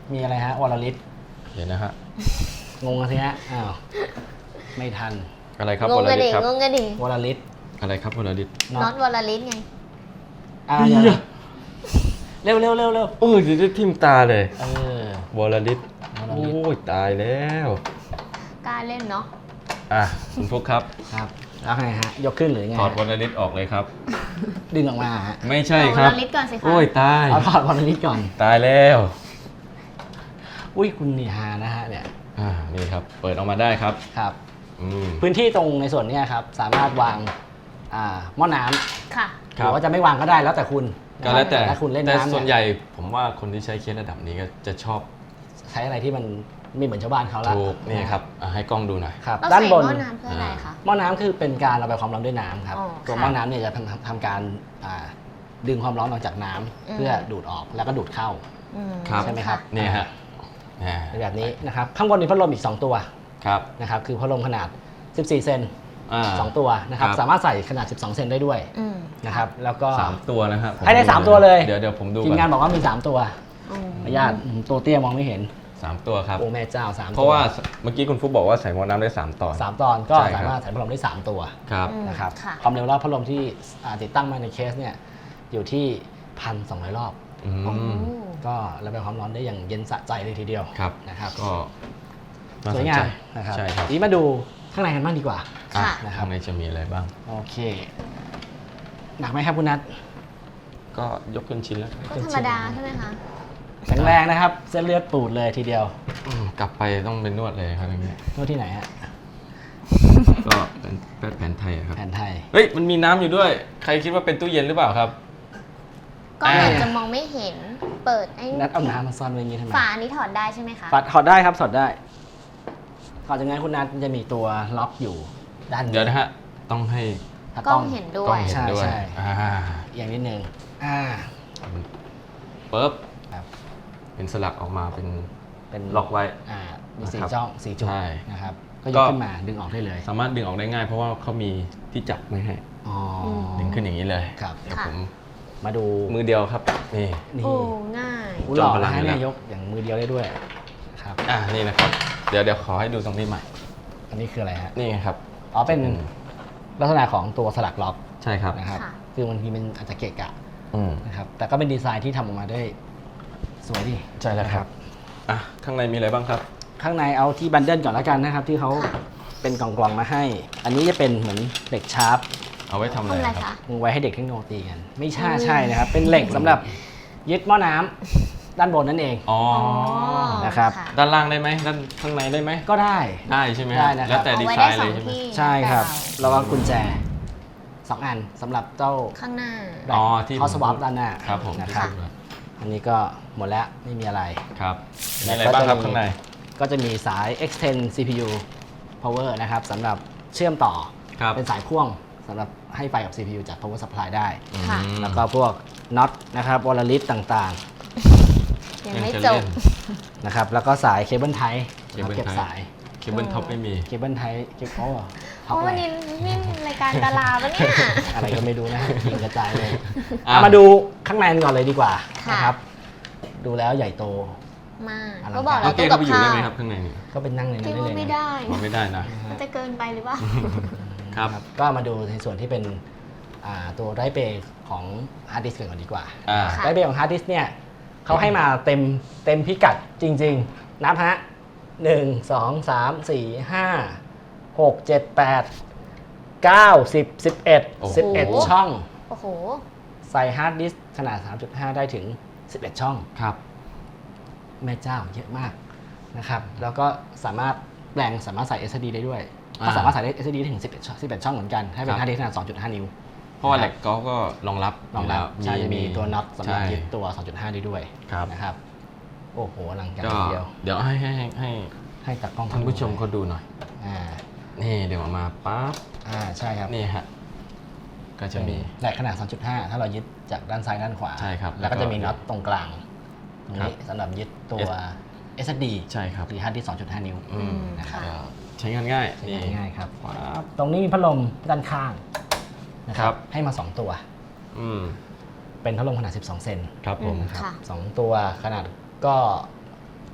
[SPEAKER 3] มีอะไรฮะวรลิต
[SPEAKER 2] เดี๋ยวนะฮะ
[SPEAKER 3] งงกันสิฮะอ้าวไม่ทัน
[SPEAKER 2] อะไรครับ
[SPEAKER 4] ง
[SPEAKER 2] ว
[SPEAKER 4] ง
[SPEAKER 2] ร
[SPEAKER 4] กัน
[SPEAKER 2] ลิ
[SPEAKER 4] ดิ
[SPEAKER 2] ตครับ
[SPEAKER 4] งงกันดิ
[SPEAKER 3] วรลิต
[SPEAKER 2] อะไรครับวรลิต
[SPEAKER 4] น็อตวอลลิสไง
[SPEAKER 3] อ่าเดี๋ยวนะเร็วเร็วเร็วเร็ว
[SPEAKER 2] โอ้ยจะได้ทิ่มตาเลย
[SPEAKER 3] เออ
[SPEAKER 2] วรลิต
[SPEAKER 3] วร
[SPEAKER 2] โอ้
[SPEAKER 3] ลิต
[SPEAKER 2] ยตายแล้ว
[SPEAKER 4] กล้าเล่นเนาะ
[SPEAKER 2] อ่ะคุณฟุกครับ
[SPEAKER 3] ครับแล้วไงฮะยกขึ้นหรือไง
[SPEAKER 2] ถอดวรลิตออกเลยครับ
[SPEAKER 3] ดึงออกมาฮะ
[SPEAKER 2] ไม่ใช่ครับ
[SPEAKER 4] วอลลิสก่อนสิคะ
[SPEAKER 2] โอ้ยตาย
[SPEAKER 3] เอาถอดวรลิตก่อน
[SPEAKER 2] ตายแล้ว
[SPEAKER 3] อุ้ยคุณนี่ฮานะฮะเนี่ย
[SPEAKER 2] อ่านี่ครับ เปิดออกมาได้ครับ
[SPEAKER 3] ครับ
[SPEAKER 2] อืม
[SPEAKER 3] พื้นที่ตรงในส่วนเนี้ยครับสามารถวางอ่าหม้อน้ำ
[SPEAKER 4] ค่ะ
[SPEAKER 3] หรือว่าจะไม่วางก็ได้แล้วแต่คุณ
[SPEAKER 2] ก็แล้วแต่
[SPEAKER 3] ถ้าคุณเล่น
[SPEAKER 2] แต่
[SPEAKER 3] น้ำ
[SPEAKER 2] ส่วน
[SPEAKER 3] เย
[SPEAKER 2] ใหญ่ผมว่าคนที่ใช้เคสระดับนี้ก็จะชอบ
[SPEAKER 3] ใช้อะไรที่มันไม่เหมือนชาวบ้านเขาละ
[SPEAKER 2] ถูกนี่ครับอ่ะให้กล้องดูหน่อย
[SPEAKER 3] ครับ
[SPEAKER 4] เรา
[SPEAKER 3] ด้าน
[SPEAKER 4] ใส่
[SPEAKER 3] บน
[SPEAKER 4] หม้อน้ำเพื่ออะไรคะ
[SPEAKER 3] หม้อน้ำคือเป็นการระบายความร้อนด้วยน้ำครับ
[SPEAKER 4] อ๋อ
[SPEAKER 3] ตัว
[SPEAKER 4] ค่ะ
[SPEAKER 3] หม้อน้ำเนี่ยจะทำทำการอ่าดึงความร้อนออกจากน้ำ
[SPEAKER 4] อืม
[SPEAKER 3] เพื่อดูดออกแล้วก็ดูดเข้า
[SPEAKER 4] อื
[SPEAKER 2] ครับ
[SPEAKER 3] ใช่ไหมครับ
[SPEAKER 2] นี่ฮะอ่า
[SPEAKER 3] เป็นแบบนี้นะครับข้างบนมีพัดลมอีกสองตัว
[SPEAKER 2] ครับ
[SPEAKER 3] นะครับคือพัดลมขนาดสิบสี่เซน
[SPEAKER 2] อ่า
[SPEAKER 3] สองตัวนะครับ
[SPEAKER 2] ครับ
[SPEAKER 3] สามารถใส่ขนาดสิบสองเซนได้ด้วย
[SPEAKER 4] อืม
[SPEAKER 3] นะครับแล้วก็
[SPEAKER 2] สามตัวนะครับผ
[SPEAKER 3] ให้ได้สามตัวเลย
[SPEAKER 2] เดี๋ยวเดี๋ยวผมดู
[SPEAKER 3] ทีมงานบอกว่ามีสามตัว
[SPEAKER 4] อืม
[SPEAKER 3] ขออนุญาตอืมตัวเตี้ยมองไม่เห็น
[SPEAKER 2] สามตัวครับ
[SPEAKER 3] โอ้แม่เจ้าสามตัว
[SPEAKER 2] เพราะว่าเมื่อกี้คุณฟุกบอกว่าใส่หม้อน้ำได้สามตอน
[SPEAKER 3] สามตอนก็
[SPEAKER 2] ใช่ครับ
[SPEAKER 3] สามารถใส่พัดลมได้สามตัว
[SPEAKER 2] ครับ
[SPEAKER 4] อืม
[SPEAKER 3] นะครับ
[SPEAKER 4] ค่ะ
[SPEAKER 3] ความเร็วรอบพัดลมที่อ่าติดตั้งมาในเคสเนี่ยอยู่ที่พันสองร้อยรอบ
[SPEAKER 2] อื
[SPEAKER 4] โอ้
[SPEAKER 2] ม
[SPEAKER 3] ก็ระบายความร้อนได้อย่างเย็นสะใจเลยทีเดียว
[SPEAKER 2] ครับ
[SPEAKER 3] นะครับ
[SPEAKER 2] ก็น่
[SPEAKER 3] ส
[SPEAKER 2] ส
[SPEAKER 3] วย
[SPEAKER 2] น
[SPEAKER 3] งา
[SPEAKER 2] ใจ
[SPEAKER 3] มนะครับ
[SPEAKER 2] ใช่ครับ
[SPEAKER 3] ทีนี้มาดูข้างในกันบ้างดีกว่า
[SPEAKER 4] ค่ะ
[SPEAKER 2] อ่ข้างในจะมีอะไรบ้าง
[SPEAKER 3] โอเค หนักไหมครับคุณนัท
[SPEAKER 2] ก็ยกขึ้นชิ้นแล้ว
[SPEAKER 4] ก็ธรรมดาใช่ไหมคะ
[SPEAKER 3] แข็งแรงนะครับ เส้นเลือดปูดเลยทีเดียว
[SPEAKER 2] อืมกลับไปต้องเป็นนวดเลยครับอย่างเงี้ย
[SPEAKER 3] นวดที่ไหนฮะ
[SPEAKER 2] ก็เป็นแพทย์แผนไทยอะครับ
[SPEAKER 3] แผนไทย
[SPEAKER 2] เฮ้ยมันมีน้ำอยู่ด้วย ใครคิดว่าเป็นตู้เย็นหรือเปล่าครับ
[SPEAKER 4] ก็อาจ
[SPEAKER 3] อ่า
[SPEAKER 4] จะมองไม่เห็น เปิดไอ้
[SPEAKER 3] นัทเอาน้ำมาซ่อนไว้อย่างนี้ทำไม
[SPEAKER 4] ฝาอันนี้ถอดได้ใช่ไหมคะ
[SPEAKER 3] ปัดถอดได้ครับถอดได้ก่อนจากนั้นคุณนัทจะมีตัวล็อกอยู่ด้าน
[SPEAKER 2] เดี๋ยวนะฮะ ต้องให้
[SPEAKER 3] ถ้าก
[SPEAKER 4] ล้องเห็นด้
[SPEAKER 2] กล้
[SPEAKER 4] ว
[SPEAKER 2] อง
[SPEAKER 4] ย
[SPEAKER 2] เห็นด้วย
[SPEAKER 3] ใช่ใช่
[SPEAKER 2] อ่า
[SPEAKER 3] อย่างนิดนึงอ่า
[SPEAKER 2] ปึ๊บ
[SPEAKER 3] ครับ
[SPEAKER 2] เป็นสลักออกมาเป็น
[SPEAKER 3] เป็น
[SPEAKER 2] ล็อกไว้
[SPEAKER 3] อ่ามีสี่
[SPEAKER 2] นะครับ
[SPEAKER 3] ช่องสี่จุด
[SPEAKER 2] ใช่
[SPEAKER 3] นะครับ ก็ย
[SPEAKER 2] ก็
[SPEAKER 3] กขึ้นมาดึงออกได้เลย
[SPEAKER 2] สามารถดึงออกได้ง่ายเพราะว่าเขามีที่จับไม่ให้
[SPEAKER 3] อ๋อ
[SPEAKER 2] ดึงขึ้นอย่างนี้เลย
[SPEAKER 3] ครับ
[SPEAKER 2] เดี๋ยว
[SPEAKER 4] ค่ะ
[SPEAKER 2] ผม
[SPEAKER 3] มาดู
[SPEAKER 2] มือเดียวครับ นี่
[SPEAKER 3] นี่
[SPEAKER 4] โอ้ ง่าย
[SPEAKER 3] อู้หล่อ
[SPEAKER 2] จอมพลั
[SPEAKER 3] นะ
[SPEAKER 2] ง
[SPEAKER 3] ฮะ
[SPEAKER 2] เลยนะ
[SPEAKER 3] เนี่ยยกอย่างมือเดียวได้ด้วยครับ
[SPEAKER 2] อ่านี่นะครับ เดี๋ยวเดี๋ยวขอให้ดูตรงนี้ใหม่
[SPEAKER 3] อันนี้คืออะไรฮะ
[SPEAKER 2] นี่ไงครับ
[SPEAKER 3] อ๋อเป็นลักษณะของตัวสลักล็อก
[SPEAKER 2] ใช่ครับ
[SPEAKER 3] นะครับ
[SPEAKER 4] ค่ะ
[SPEAKER 3] คือบางทีมันอาจจะเกะกะ
[SPEAKER 2] อืม
[SPEAKER 3] นะครับแต่ก็เป็นดีไซน์ที่ทำออกมาได้สวยดี
[SPEAKER 2] ใช่แล้วครับ อ่ะ ข้างในมีอะไรบ้างครับ
[SPEAKER 3] ข้างในเอาที่บันเดิลก่อนแล้วกันนะครับ ที่เขา
[SPEAKER 4] ค่ะ
[SPEAKER 3] เป็นกล่องๆมาให้ อันนี้จะเป็นเหมือนเหล็กชาร์ป
[SPEAKER 2] เอาไว้ทำอะไร
[SPEAKER 4] ทำอะไร
[SPEAKER 2] ครั
[SPEAKER 4] คะ
[SPEAKER 2] บ
[SPEAKER 3] ไว้ให้เด็กเทคโนโลยีกัน ไม่ใช่
[SPEAKER 4] อืม
[SPEAKER 3] ใช่นะครับ เป็นเหล็กสำหรับยึดหม้อน้ำด้านบนนั่นเอง
[SPEAKER 2] อ๋อ
[SPEAKER 4] อ๋อ
[SPEAKER 3] นะครับ
[SPEAKER 4] ะ
[SPEAKER 2] ด้านล่างได้ไหมด้านข้างในได้ไหม
[SPEAKER 3] ก็ได้
[SPEAKER 2] ได้ใช่ไหม
[SPEAKER 3] ได้นะครับ
[SPEAKER 2] แล้วแต่
[SPEAKER 4] เอา
[SPEAKER 2] ดี
[SPEAKER 4] ไว้
[SPEAKER 2] ไซ
[SPEAKER 4] ได้
[SPEAKER 2] น์
[SPEAKER 4] ส
[SPEAKER 2] เล
[SPEAKER 4] อง
[SPEAKER 2] ยใช่ไหม
[SPEAKER 4] ที่
[SPEAKER 3] ใช่ครับ
[SPEAKER 4] แต่
[SPEAKER 3] แล้วก็กุญแจสองอันสำหรับเจ้า
[SPEAKER 4] เราข้างหน้า
[SPEAKER 2] อ๋อที่
[SPEAKER 3] คอสวอปด้านหน้า
[SPEAKER 2] ครับผม
[SPEAKER 3] นะครับ
[SPEAKER 2] ที่
[SPEAKER 3] อันนี้ก็หมดแล้วไม่มีอะไร
[SPEAKER 2] ครับมีอะไรบ้างครับข้างใน
[SPEAKER 3] ก็จะมีสาย extend ซี พี ยู power นะครับสำหรับเชื่อมต่อ
[SPEAKER 2] ครับ
[SPEAKER 3] เป็นสายพ่วงสำหรับให้ไฟกับ ซี พี ยู จาก power supply ได้
[SPEAKER 4] ค่ะ
[SPEAKER 2] อืม
[SPEAKER 3] แล้วก็พวกน็อตนะครับวอลลิสต่าง
[SPEAKER 4] ยังไม่
[SPEAKER 2] จะ
[SPEAKER 4] จ
[SPEAKER 2] เล่
[SPEAKER 4] บ
[SPEAKER 2] น
[SPEAKER 3] ๆนะครับแล้วก็สายเคเบิลไทป์
[SPEAKER 2] เคเบิล
[SPEAKER 3] เก็บ
[SPEAKER 2] ไทป์
[SPEAKER 3] สาย
[SPEAKER 2] เคเบิลท็อปไม่มี
[SPEAKER 3] เคเบิลไทป์เก็บโอ้ท็
[SPEAKER 4] เพ
[SPEAKER 3] อป
[SPEAKER 4] ราะ
[SPEAKER 3] อะไร
[SPEAKER 4] วันนี้นี่รายการดาราปะเนี่ย
[SPEAKER 3] อะไรก็ไม่รู้นะยิงกระจายเลย
[SPEAKER 2] อ่ะ
[SPEAKER 3] เอามาดูข้างในกันก่อนเลยดีกว่า
[SPEAKER 4] ค่ะ
[SPEAKER 3] นะครับ ดูแล้วใหญ่โต
[SPEAKER 4] มาก
[SPEAKER 3] อลังการ
[SPEAKER 4] ก็บอก
[SPEAKER 2] น้
[SPEAKER 4] แล้
[SPEAKER 2] อ
[SPEAKER 4] ว
[SPEAKER 2] งเก้
[SPEAKER 4] ตู้
[SPEAKER 2] เข้า
[SPEAKER 4] กับ
[SPEAKER 2] ไปอยู่
[SPEAKER 4] ข้า
[SPEAKER 2] ได้
[SPEAKER 4] ว
[SPEAKER 2] ไหมครับข้างในนี่
[SPEAKER 3] ก็เป็นนั่งใน
[SPEAKER 4] คิ
[SPEAKER 3] นั้
[SPEAKER 4] ด
[SPEAKER 3] นได้
[SPEAKER 4] ว่า
[SPEAKER 3] เลย
[SPEAKER 4] ไม่
[SPEAKER 3] นะ
[SPEAKER 4] ได้
[SPEAKER 2] อ๋อไม่ได้นะ
[SPEAKER 4] มันจะเกินไปหรือเปล่า
[SPEAKER 2] ครับ
[SPEAKER 3] ก็มาดูในส่วนที่เป็นอ่าตัวไรเบย์ของฮาร์ดดิสก์ก่อนดีกว่า
[SPEAKER 2] อ่า
[SPEAKER 4] ค่ะ
[SPEAKER 3] ไรเบย์ของฮาร์ดดิสก์เนี่ยเขาให้มาเต็มเต็มพิกัดจริง ๆ นับฮะหนึ่งสองสามสี่ห้าหกเจ็ดแปดเก้าสิบสิบเอ็ด
[SPEAKER 2] โอ้โห
[SPEAKER 3] สิบเอ็ดช่อง
[SPEAKER 4] โอ้โห
[SPEAKER 3] ใส่ฮาร์ดดิสก์ขนาด สามจุดห้า ได้ถึง สิบเอ็ด ช่อง
[SPEAKER 2] ครับ
[SPEAKER 3] แม่เจ้าเยอะมากนะครับแล้วก็สามารถแปลงสามารถใส่ เอส ดี ได้ด้วย
[SPEAKER 2] อ่า
[SPEAKER 3] ก็สามารถใส่ได้ เอส ดี ได้ถึง สิบเอ็ด ช่องสิบเอ็ด ช่องเหมือนกันถ้าเป็
[SPEAKER 2] ครั
[SPEAKER 3] น
[SPEAKER 2] บ
[SPEAKER 3] ฮาร์ดดิสก์ขนาด สองจุดห้า นิ้ว
[SPEAKER 2] เพราะว่าเหล็กกอล์ฟก็รองรับ
[SPEAKER 3] รองรับ
[SPEAKER 2] ยู่
[SPEAKER 3] ใช่
[SPEAKER 2] แล้ว
[SPEAKER 3] จะมีตัวน็อตสำหรับ
[SPEAKER 2] ใช่
[SPEAKER 3] ยึดตัว สองจุดห้า ได้ด้วย
[SPEAKER 2] ครับ
[SPEAKER 3] นะครับโอ้โหอลังการ
[SPEAKER 2] ก็
[SPEAKER 3] ทีเดียว
[SPEAKER 2] เดี๋ยวให้ให้ให้ให้
[SPEAKER 3] ให้ตัดกล้อง
[SPEAKER 2] ท่านผู้ชมเขาดูหน่อย
[SPEAKER 3] อ่า
[SPEAKER 2] นี่เดี๋ยวออกมาปั๊บ
[SPEAKER 3] อ่าใช่ครับ
[SPEAKER 2] นี่ฮะ ก็จะมี
[SPEAKER 3] แหลกขนาด สองจุดห้า ถ้าเรายึดจากด้านซ้ายด้านขวา
[SPEAKER 2] ใช่ครับ
[SPEAKER 3] แล้วก็
[SPEAKER 2] แล้วก็
[SPEAKER 3] จะมีน็อตตรงกลางตรง
[SPEAKER 2] ครั
[SPEAKER 3] นี้
[SPEAKER 2] บ
[SPEAKER 3] สำหรับยึดตัว เอส ดี
[SPEAKER 2] ใช่ครับ
[SPEAKER 3] หรือฮาร์ดดิสก์ สองจุดห้า นิ้ว
[SPEAKER 2] อืม
[SPEAKER 3] นะครับ
[SPEAKER 2] ก็ใช้งานง่าย
[SPEAKER 3] ใช้
[SPEAKER 2] นี่
[SPEAKER 3] งานง่ายครับ
[SPEAKER 2] ปั๊บ
[SPEAKER 3] ตรงนี้มีพัดลมด้านข้างนะค
[SPEAKER 2] ครั
[SPEAKER 3] รับบ ให้มา สอง ตัว
[SPEAKER 2] อืม
[SPEAKER 3] เป็นพัดลมขนาด สิบสอง เซน
[SPEAKER 2] ครับผม
[SPEAKER 3] นะครับ
[SPEAKER 4] ค่ะ
[SPEAKER 3] สองตัวขนาดก็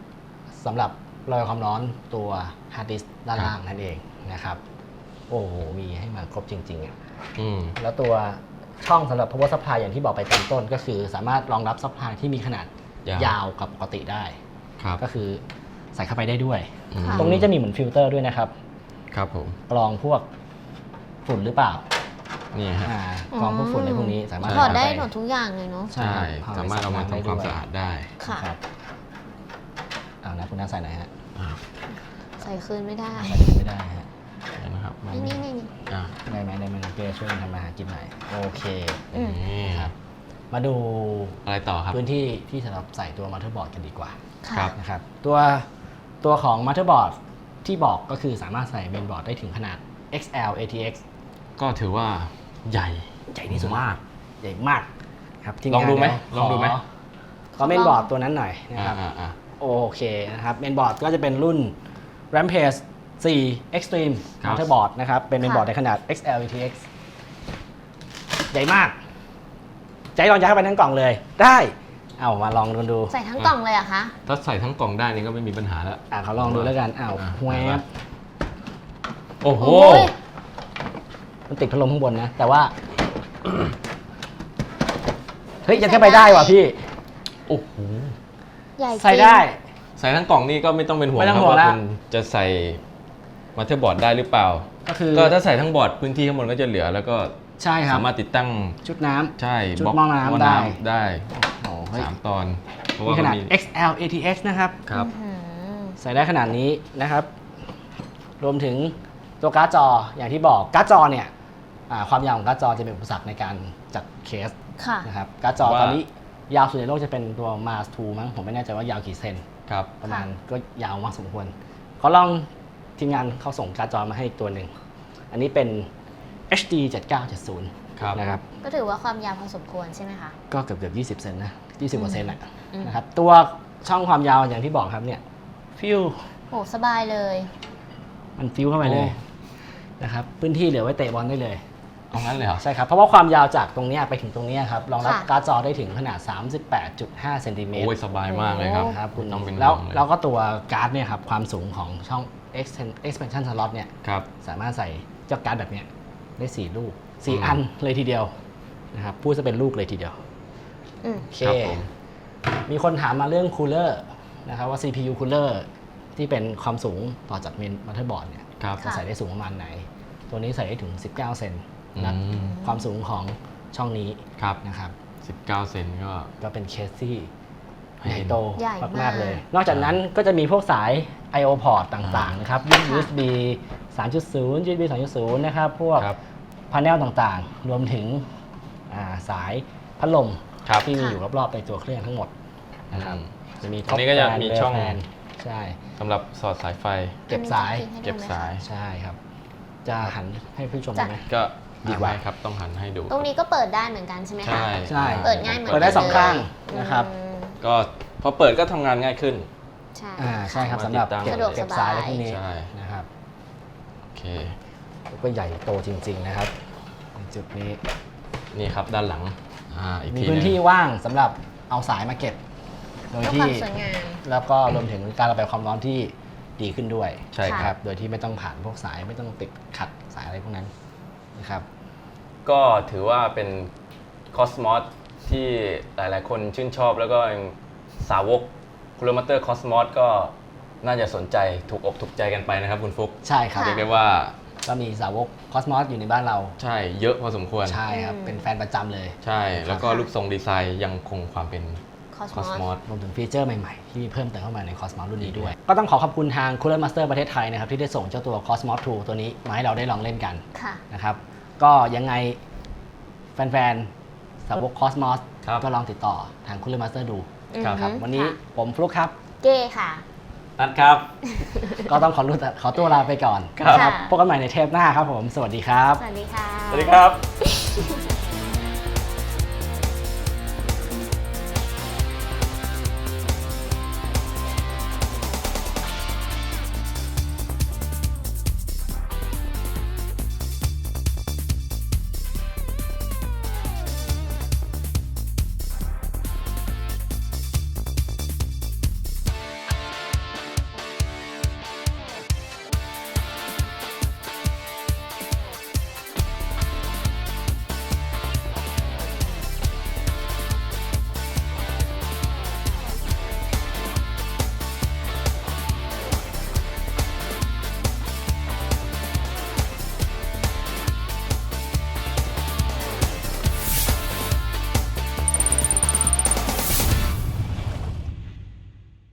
[SPEAKER 3] สำหรับระบายความร้อนตัวฮาร์ดดิสก์ด้านล่างนั่นเองนะครับโอ้โหมีให้มาครบจริงๆอ่ะ
[SPEAKER 2] อืม
[SPEAKER 3] แล้วตัวช่องสำหรับ power supply อย่างที่บอกไปตอนต้นก็คือสามารถรองรับ supply ที่มีขนาด
[SPEAKER 2] ยาว
[SPEAKER 3] ยาวกับปกติได้
[SPEAKER 2] ครับ
[SPEAKER 3] ก็คือใส่เข้าไปได้ด้วย
[SPEAKER 2] อืม
[SPEAKER 3] ตรงนี้จะมีเหมือนฟิลเตอร์ด้วยนะครับ
[SPEAKER 2] ครับผม
[SPEAKER 3] กรองพวกฝุ่นหรือเปล่า
[SPEAKER 2] นี่ฮะ
[SPEAKER 3] อ่ากรองพวกฝุ่นในพวกนี้สามารถ
[SPEAKER 4] ถอดได้
[SPEAKER 3] ใส่
[SPEAKER 4] หมดทุกอย่างเลยเนาะ
[SPEAKER 2] ใช่ สามารถเอามาทำความสะอาดได้
[SPEAKER 4] ค่ะ
[SPEAKER 3] ครับเอานะคุณน้าใส่ไหนอยฮะ
[SPEAKER 2] อ่า
[SPEAKER 4] ใส่คืนไม่ได้
[SPEAKER 3] ใส่ไม่ได้ฮะ
[SPEAKER 2] เดี๋ยวนะครับ
[SPEAKER 4] นี่นี่นี่นี่
[SPEAKER 2] อ่า
[SPEAKER 3] ได้ไหมได้ไหมน้องเป้ช่วยกันทำมาหากินหน่อยโอเค
[SPEAKER 4] อืม
[SPEAKER 2] นี่
[SPEAKER 3] ครับ มาดู
[SPEAKER 2] อะไรต่อครับ
[SPEAKER 3] พื้นที่ที่สำหรับใส่ตัวมัลเทอร์บอร์ดกันดีกว่า
[SPEAKER 2] ครั
[SPEAKER 4] ค่ะ
[SPEAKER 2] บ
[SPEAKER 3] นะครับตัวตัวของมัลเทอร์บอร์ดที่บอกก็คือสามารถใส่เมนบอร์ดได้ถึงขนาด เอ็กซ์ แอล เอ ที เอ็กซ์
[SPEAKER 2] ก็ถือว่าใหญ่
[SPEAKER 3] ใหญ่ที่สุด
[SPEAKER 2] มาก
[SPEAKER 3] ใหญ่มากครับที
[SPEAKER 2] ลองดูไหม
[SPEAKER 3] าน
[SPEAKER 2] ลองดูไหม
[SPEAKER 3] ขขอเมนบอร์ดตัวนั้นหน่อยนะครับ
[SPEAKER 2] อ่าอ่า
[SPEAKER 3] โอเคนะครับเมนบอร์ดก็จะเป็นรุ่น Rampage โฟร์ Extreme
[SPEAKER 2] ครับ
[SPEAKER 3] มัลเทอร์บอร์ดนะครับเป็นเมนบอร์ดในขนาด เอ็กซ์ แอล เอ ที เอ็กซ์ ใหญ่มากใจลองยัดเข้าไปทั้งกล่องเลย ได้เอามาลองดูดู
[SPEAKER 4] ใส่ทั้งกล่องเลยเหรอะคะ
[SPEAKER 2] ถ้าใส่ทั้งกล่องได้นี่ก็ไม่มีปัญหาแล้ว
[SPEAKER 3] อ่าเขาลองดูแล้วกันอ้าว
[SPEAKER 2] อ่ะ
[SPEAKER 3] แวบ
[SPEAKER 2] โอ้โห
[SPEAKER 4] โอ้ย
[SPEAKER 3] มันติดพัดลมข้างบนนะ แต่ว่า เฮ้ยยังแค่ไปได้ว่ะพี่
[SPEAKER 2] โอ้โห
[SPEAKER 4] ใหญ่จริง
[SPEAKER 3] ใส่ได้
[SPEAKER 2] ใส่ทั้งกล่องนี่ก็ไม่ต้องเป็นห่วง
[SPEAKER 3] ไม่ต้อง
[SPEAKER 2] ครับ
[SPEAKER 3] ห่วง
[SPEAKER 2] ว่า
[SPEAKER 3] ละ
[SPEAKER 2] คุณจะใส่มาเตอร์บอร์ดได้หรือเปล่า
[SPEAKER 3] ก็คือ
[SPEAKER 2] ก็ถ้าใส่ทั้งบอร์ดพื้นที่ข้างบนก็จะเหลือ แล้วก็
[SPEAKER 3] ใช่ครับ
[SPEAKER 2] สามารถติดตั้ง
[SPEAKER 3] ชุดน้ำ
[SPEAKER 2] ใช่
[SPEAKER 3] ชุด
[SPEAKER 2] บล็อก
[SPEAKER 3] หม้อน้ำได้
[SPEAKER 2] ได้
[SPEAKER 3] โอ้เฮ้ย
[SPEAKER 2] สามตอน เพราะ
[SPEAKER 3] มี
[SPEAKER 2] ว่า
[SPEAKER 3] ข
[SPEAKER 2] มัน
[SPEAKER 3] นาด
[SPEAKER 2] มี
[SPEAKER 3] เอ็กซ์ แอล เอ ที เอ็กซ์ นะครับ
[SPEAKER 2] ครับ
[SPEAKER 4] อื้อหือ
[SPEAKER 3] ใส่ได้ขนาดนี้นะครับ รวมถึงตัวการ์ดจออย่างที่บอกการ์ดจอเนี่ยอ่าความยาวของการ์ดจอจะเป็นอุปสรรคในการจัดเคส
[SPEAKER 4] ค่ะ
[SPEAKER 3] นะครับการ์ดจอ
[SPEAKER 2] ว่า
[SPEAKER 3] ตอนนี้ยาวสุดในโลกจะเป็นตัว Mars ทูมั้งผมไม่แน่ใจว่ายาวกี่เซน
[SPEAKER 2] ครับ
[SPEAKER 3] ประมาณก็ยาวมากสมควรเขาลองทีมงานเขาส่งการ์ดจอมาให้อีกตัวหนึ่ง อันนี้เป็น เอช ดี เจ็ดเก้าเจ็ดศูนย์
[SPEAKER 2] ครับ
[SPEAKER 3] นะครับ
[SPEAKER 4] ก็ถือว่าความยาวพอสมควรใช่ไหมคะ
[SPEAKER 3] ก็เกือบเกือบยี่สิบเซนนะยี่สิบกว่าเซนอะ
[SPEAKER 4] อืม
[SPEAKER 3] นะครับตัวช่องความยาวอย่างที่บอกครับเนี่ยฟิว
[SPEAKER 4] โอ้สบายเลย
[SPEAKER 3] มันฟิวเข้าไปเลย
[SPEAKER 2] โอ้
[SPEAKER 3] นะครับพื้นที่เหลือไว้เตะบอลได้เลย
[SPEAKER 2] เอางั้นเลยเหรอ
[SPEAKER 3] ใช่ครับ เพราะว่าความยาวจากตรงเนี้ยไปถึงตรงเนี้ยครับรองรับ
[SPEAKER 4] ค่ะ
[SPEAKER 3] การ์ดจอได้ถึงขนาด สามสิบแปดจุดห้าเซนติเมตร
[SPEAKER 2] โอ้ยสบายมากเลยครับ
[SPEAKER 3] ครับคุณ
[SPEAKER 2] ต้องเป็น
[SPEAKER 3] แล้ว
[SPEAKER 2] ห่งเย
[SPEAKER 3] แล้วก็ตัวการ์ดเนี่ยครับความสูงของช่อง extend- expansion slot เนี่ย
[SPEAKER 2] ครับ
[SPEAKER 3] สามารถใส่เจ้าการ์ดแบบเนี้ยได้สี่ลูกสี่
[SPEAKER 2] อืม
[SPEAKER 3] อันเลยทีเดียวนะครับพูดจะเป็นลูกเลยทีเดียว
[SPEAKER 4] อืม
[SPEAKER 3] โอเค
[SPEAKER 2] ครับผม
[SPEAKER 3] มีคนถามมาเรื่องคูลเลอร์นะครับว่า ซี พี ยู คูลเลอร์ที่เป็นความสูงต่อจากเมนมัลเทอร์บอร์ดเนี่ย
[SPEAKER 2] ครับ
[SPEAKER 3] จะใส่ได้สูงประมาณไหน ตัวนี้ใส่ได้ถึง สิบเก้า เซนนะ
[SPEAKER 2] อืม
[SPEAKER 3] ความสูงของช่องนี้
[SPEAKER 2] ครับ
[SPEAKER 3] นะครับ
[SPEAKER 2] สิบเก้าเซนก็
[SPEAKER 3] ก็เป็นเคสที่
[SPEAKER 2] ให้
[SPEAKER 3] ใหญ่
[SPEAKER 2] เห็น
[SPEAKER 3] โต
[SPEAKER 4] ใหญ่มาก
[SPEAKER 3] มากๆเลย นอกจากนั้นก็จะมีพวกสาย ไอ โอ port ต่างๆนะครับ ยู เอส บี สามจุดศูนย์ ยู เอส บี สองจุดศูนย์ นะครับ พวก
[SPEAKER 2] ครับ
[SPEAKER 3] พาเนลต่างๆ รวมถึงอ่าสายพัดลม
[SPEAKER 2] ครับ
[SPEAKER 3] ที่มีอยู่รอบๆในตัวเครื่องทั้งหมดนะครับ
[SPEAKER 2] อืม
[SPEAKER 3] จะมี
[SPEAKER 2] อันนี้ก็จะ
[SPEAKER 3] top fan
[SPEAKER 2] มี
[SPEAKER 3] rear
[SPEAKER 2] ช่อง
[SPEAKER 3] fan ใช่
[SPEAKER 2] สำหรับสอดสายไฟ
[SPEAKER 3] เก็บสาย
[SPEAKER 4] อันนี้จะ
[SPEAKER 2] เก็บสาย
[SPEAKER 3] ใช่ครับ จะหันให้ผู้ชม
[SPEAKER 4] จ้ะ
[SPEAKER 3] ดูไหม
[SPEAKER 2] ก็
[SPEAKER 3] ดีกว่า
[SPEAKER 2] ไม่ครับต้องหันให้ดู
[SPEAKER 4] ตรงนี้ก็เปิดได้เหมือนกันใช่ไหมคะ
[SPEAKER 2] ใช่
[SPEAKER 3] ใช่
[SPEAKER 4] เปิดง่ายเหมือน
[SPEAKER 3] เปิดได้สองข้างนะครับ
[SPEAKER 4] อืม
[SPEAKER 2] ก็พอเปิดก็ทำงานง่ายขึ้น
[SPEAKER 4] ใช่
[SPEAKER 3] อ่าใช่ครับ
[SPEAKER 2] สา
[SPEAKER 3] สำ
[SPEAKER 2] มารถ
[SPEAKER 3] หรับ
[SPEAKER 2] ติดตั้ง
[SPEAKER 3] เก็บ
[SPEAKER 4] สะดวกสบาย
[SPEAKER 3] เก็บสายอะไรพวกนี้
[SPEAKER 2] ใช่
[SPEAKER 3] นะครับ
[SPEAKER 2] โอเค
[SPEAKER 3] ก็ใหญ่โตจริง ๆ นะครับในจุดนี้
[SPEAKER 2] นี่ครับด้านหลังอ่าอีก
[SPEAKER 3] มี
[SPEAKER 2] ที
[SPEAKER 3] พื้น
[SPEAKER 2] หง
[SPEAKER 3] ที่ว่างสำหรับเอาสายมาเก็บ โดย
[SPEAKER 4] เพื่อค
[SPEAKER 3] ที่
[SPEAKER 4] วามสวยงาม
[SPEAKER 3] แล้วก็รวมถึงการระบายความร้อนที่ดีขึ้นด้วย
[SPEAKER 2] ใช่ครับ
[SPEAKER 3] โดยที่ไม่ต้องผ่านพวกสายไม่ต้องติดขัดสายอะไรพวกนั้นนะครับ
[SPEAKER 2] ก็ถือว่าเป็นคอสมอสที่หลายๆ คนชื่นชอบแล้วก็สาวกคูลเลอร์มัตเตอร์คอสมอสก็น่าจะสนใจถูกอกถูกใจกันไปนะครับคุณฟุก
[SPEAKER 3] ใช่ครับ
[SPEAKER 4] ค่ะ
[SPEAKER 2] เรียกได้ว่า
[SPEAKER 3] ก็มีสาวกคอสมอสอยู่ในบ้านเรา
[SPEAKER 2] ใช่เยอะพอสมควร
[SPEAKER 3] ใช่ครับ
[SPEAKER 4] อืม
[SPEAKER 3] เป็นแฟนประจำเลย
[SPEAKER 2] ใช่ แล้วก็รูปทรงดีไซน์ยังคงความเป็น
[SPEAKER 4] คอส
[SPEAKER 2] คอส
[SPEAKER 4] ม
[SPEAKER 2] ม
[SPEAKER 4] อ
[SPEAKER 2] อ
[SPEAKER 4] ส
[SPEAKER 2] ส
[SPEAKER 3] รวมถึงฟีเจอร์ใหม่ๆ ที่มีเพิ่มเติมเข้ามาใน Cosmos รุ่นนี้ด้วย ก็ต้องขอขอบคุณทาง Cooler Master ประเทศไทยนะครับ ที่ได้ส่งเจ้าตัว Cosmos ทู ตัวนี้มาให้เราได้ลองเล่นกัน
[SPEAKER 4] ค่ะ
[SPEAKER 3] นะครับ ก็ยังไงแฟนๆ สาวก Cosmos
[SPEAKER 2] ครับ
[SPEAKER 3] ก็ลองติดต่อทาง Cooler Master ดู
[SPEAKER 2] ครับ
[SPEAKER 3] ครับ
[SPEAKER 4] อือฮึ
[SPEAKER 3] วันนี้
[SPEAKER 4] ค่ะ
[SPEAKER 3] ผมฟลุกครับ
[SPEAKER 4] เก้ค่ะ
[SPEAKER 2] นัดครับ
[SPEAKER 3] ก็ต้องขอรู้ขอตัวลาไปก่อน
[SPEAKER 2] ครับ
[SPEAKER 3] นะพบกันใหม่ในเทปหน้าครับผม สวัสดีครับ
[SPEAKER 4] สวัสดีค่ะ
[SPEAKER 2] สวัสดีครับ